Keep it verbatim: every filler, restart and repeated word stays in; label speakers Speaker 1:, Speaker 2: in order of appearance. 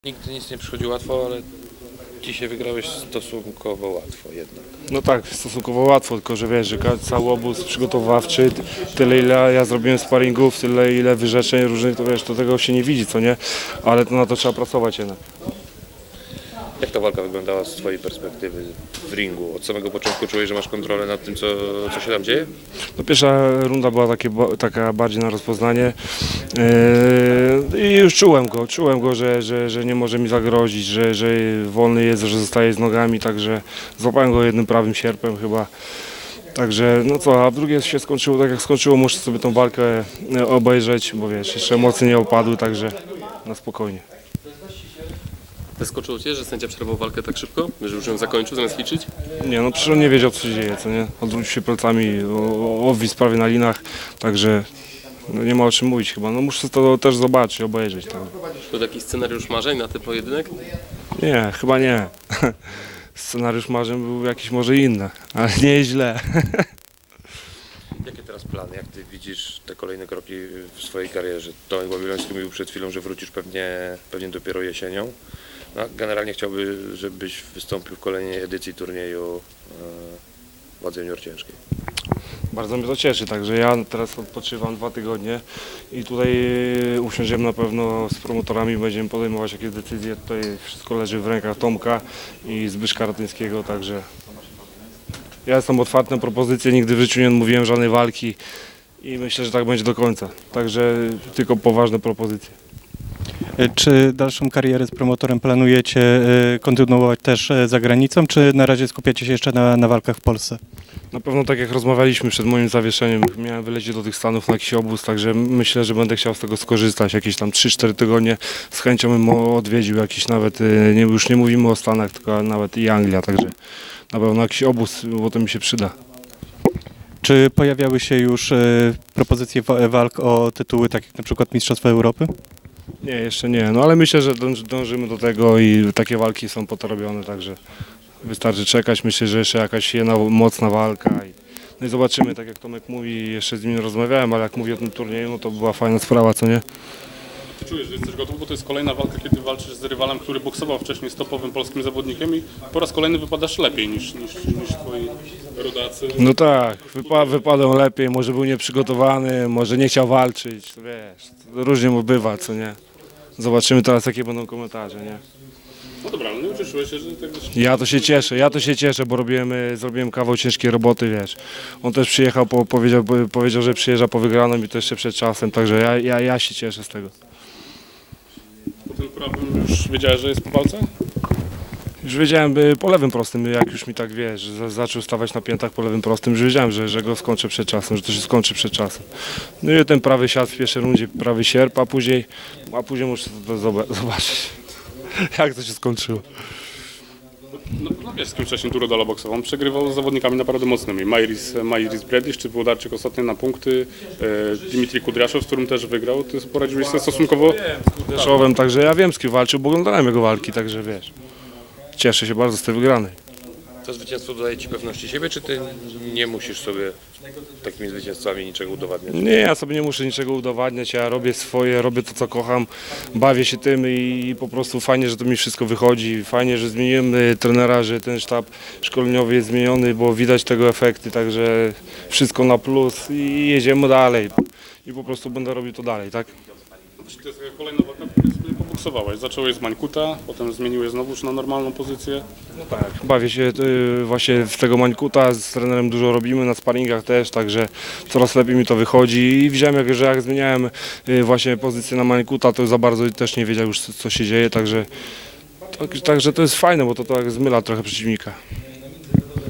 Speaker 1: Nigdy nic nie przychodzi łatwo, ale dzisiaj wygrałeś stosunkowo łatwo jednak.
Speaker 2: No tak, stosunkowo łatwo, tylko że wiesz, że cały obóz przygotowawczy, tyle ile ja zrobiłem sparingów, tyle ile wyrzeczeń różnych, to wiesz, to tego się nie widzi, co nie? Ale to na to trzeba pracować jednak.
Speaker 1: Jak ta walka wyglądała z twojej perspektywy w ringu? Od samego początku czułeś, że masz kontrolę nad tym, co, co się tam dzieje?
Speaker 2: No pierwsza runda była takie, taka bardziej na rozpoznanie yy, i już czułem go, czułem go, że, że, że nie może mi zagrozić, że, że wolny jest, że zostaje z nogami, także złapałem go jednym prawym sierpem chyba. Także no co, a drugie się skończyło tak jak skończyło, muszę sobie tą walkę obejrzeć, bo wiesz, jeszcze emocje nie opadły, także na spokojnie.
Speaker 3: Zaskoczyło Cię, że sędzia przerwał walkę tak szybko? Że już ją zakończył zamiast liczyć?
Speaker 2: Nie, no przecież on nie wiedział, co się dzieje, co nie? Odwrócił się plecami, o- obwisł prawie na linach, także no nie ma o czym mówić chyba. No muszę to też zobaczyć, obejrzeć. Tak.
Speaker 3: To taki scenariusz marzeń na ten pojedynek?
Speaker 2: Nie, chyba nie. Scenariusz marzeń był jakiś może inny, ale nie jest źle.
Speaker 1: Jakie teraz plany? Jak ty widzisz te kolejne kroki w swojej karierze? Tomek Babiloński mówił przed chwilą, że wrócisz pewnie, pewnie dopiero jesienią. No, generalnie chciałby, żebyś wystąpił w kolejnej edycji turnieju e, wadze junior ciężkiej.
Speaker 2: Bardzo mnie to cieszy, także ja teraz odpoczywam dwa tygodnie i tutaj usiądziemy na pewno z promotorami, będziemy podejmować jakieś decyzje. Tutaj wszystko leży w rękach Tomka i Zbyszka Ratyńskiego, także ja jestem otwarty na propozycje, nigdy w życiu nie odmówiłem żadnej walki i myślę, że tak będzie do końca. Także tylko poważne propozycje.
Speaker 4: Czy dalszą karierę z promotorem planujecie e, kontynuować też e, za granicą, czy na razie skupiacie się jeszcze na, na walkach w Polsce?
Speaker 2: Na pewno tak jak rozmawialiśmy przed moim zawieszeniem, miałem wylecieć do tych Stanów na jakiś obóz, także myślę, że będę chciał z tego skorzystać. Jakieś tam trzy cztery tygodnie z chęcią bym odwiedził jakiś nawet, y, nie, już nie mówimy o Stanach, tylko nawet i Anglia, także na pewno jakiś obóz, bo to mi się przyda.
Speaker 4: Czy pojawiały się już e, propozycje wa- walk o tytuły, tak jak na przykład Mistrzostwa Europy?
Speaker 2: Nie, jeszcze nie, no ale myślę, że dąż, dążymy do tego i takie walki są po to robione, także wystarczy czekać. Myślę, że jeszcze jakaś jedna mocna walka. I, no i zobaczymy, tak jak Tomek mówi, jeszcze z nim nie rozmawiałem, ale jak mówi o tym turnieju, no to była fajna sprawa, co nie?
Speaker 5: Ty czujesz, że jesteś gotów, bo to jest kolejna walka, kiedy walczysz z rywalem, który boksował wcześniej z topowym polskim zawodnikiem i po raz kolejny wypadasz lepiej niż, niż, niż twoi rodacy.
Speaker 2: No tak, wypa wypadał lepiej, może był nieprzygotowany, może nie chciał walczyć, to wiesz, to różnie mu bywa, co nie? Zobaczymy teraz, jakie będą komentarze, nie?
Speaker 5: No dobra, ale nie ucieszyłeś się, że tak
Speaker 2: Ja to się cieszę, ja to się cieszę, bo robiłem, y, zrobiłem kawał ciężkiej roboty, wiesz. On też przyjechał, po, powiedział, po- powiedział, że przyjeżdża po wygraną i to jeszcze przed czasem, także ja, ja, ja się cieszę z tego.
Speaker 5: po tym prawym już wiedziałeś, że jest po walce?
Speaker 2: Już wiedziałem y, po lewym prostym, jak już mi tak wiesz, że za- zaczął stawać na piętach po lewym prostym, już wiedziałem, że, że go skończę przed czasem, że to się skończy przed czasem. No i ten prawy siat w pierwszej rundzie, prawy sierp, a później, a później muszę to zoba- zobaczyć, jak to się skończyło.
Speaker 5: No, no wiesz, z kim wcześniej Turodala boksował. On przegrywał z zawodnikami naprawdę mocnymi. Majris, Majris Bredisz czy Włodarczyk ostatnio na punkty. E, Dimitrij Kudriaszow, z którym też wygrał. Ty poradziłeś sobie stosunkowo...
Speaker 2: Deszowem, także ja wiem, z kim walczył, bo oglądałem jego walki, także wiesz. Cieszę się bardzo z tej wygranej.
Speaker 1: To zwycięstwo dodaje ci pewności siebie, czy ty nie musisz sobie takimi zwycięstwami niczego udowadniać?
Speaker 2: Nie, ja sobie nie muszę niczego udowadniać, ja robię swoje, robię to, co kocham, bawię się tym i po prostu fajnie, że to mi wszystko wychodzi, fajnie, że zmieniłem y, trenera, że ten sztab szkoleniowy jest zmieniony, bo widać tego efekty, także wszystko na plus i jedziemy dalej i po prostu będę robił to dalej, tak?
Speaker 5: To jest taka kolejna walka, w której sobie poboksowałeś. Zacząłeś z Mańkuta, potem zmieniłeś znowuż na normalną pozycję.
Speaker 2: Tak, bawię się y, właśnie w tego Mańkuta, z trenerem dużo robimy, na sparingach też, także coraz lepiej mi to wychodzi i widziałem, jak, że jak zmieniałem y, właśnie pozycję na Mańkuta, to za bardzo też nie wiedział już, co, co się dzieje, także, tak, także to jest fajne, bo to tak zmyla trochę przeciwnika.